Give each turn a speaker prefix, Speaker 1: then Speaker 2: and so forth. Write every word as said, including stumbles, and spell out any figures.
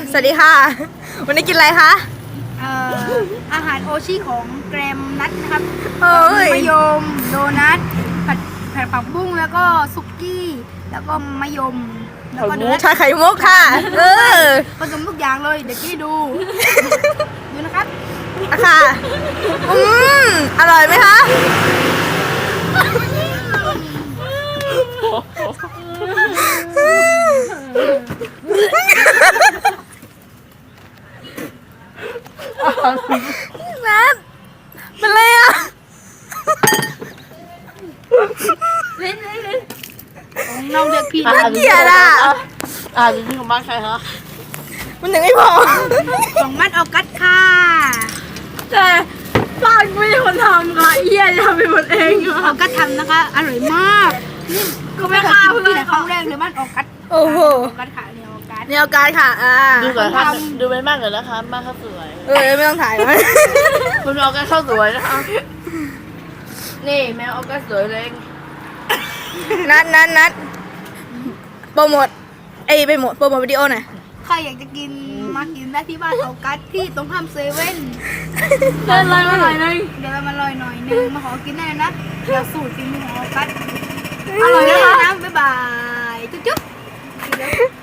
Speaker 1: สวัสดีค่ะ วันนี้กินอะไรคะ
Speaker 2: เอ่ออาหารโอชิของแกรมนัทนะครับ
Speaker 1: เอ้ย
Speaker 2: มะยมโดนัทผัดผัดผักบุ้งแล้วก็ซุกี้ แล้วก็มะยมแล้วก็เนื้อ
Speaker 1: ชาไข่มุกค่ะ เออ
Speaker 2: ผสมทุกอย่างเลยเดี๋ยวกี้ดู ดูนะครับ
Speaker 1: อะค่ะ อืมอร่อยไหมคะ นัทเป็นไรอ่ะ
Speaker 2: เล่นเล่นเล่นของน้องเด็กพี่
Speaker 1: น่าเกลียดอ่ะ
Speaker 3: อ่านที่ของบ้านใครคะ
Speaker 1: มันยังไม่พอ
Speaker 2: ของมัดออกัสค่ะ
Speaker 3: แต่บ้านไม่ใช่คนทำค่ะเอี้ยจะทำเป็นหมดเอง
Speaker 2: ออกัสทำนะคะ อร่อยมากนี่ก็ไม่เคยกินที่ไหนครั้งแรกเลยมัดออกัส
Speaker 1: โอ้โห
Speaker 2: ออกัสค่ะเนี่ยออกัส
Speaker 1: แนวการค่ะ อ่า
Speaker 3: ดูก่อนค่ะดูไปมากเลยนะคะมากข้าวสวย
Speaker 1: เออ ไม่ต้องถ่ายมั้ย
Speaker 3: คุณเอาแค่ข้าวสวยนะคะ นี่แมวเอาแค่สวยเลย
Speaker 1: นัดนัดนัดโปรโมทเอ้ยไปโมทโปรโมทวิดีโอหน่อย
Speaker 2: ใครอยากจะกินมากินได้ที่บ้านออกัสที่ตรงข้ามเซเว่น
Speaker 3: เดินเลยมาหน่อยนึง
Speaker 2: เดี๋ยวเรามาลอยหน่อยนึงมาขอกินได้เลยนะเดี๋ยวสูตรฝีมือของออกัสอร่อยนะคะนะบ๊ายบายจุ๊บจุ๊บ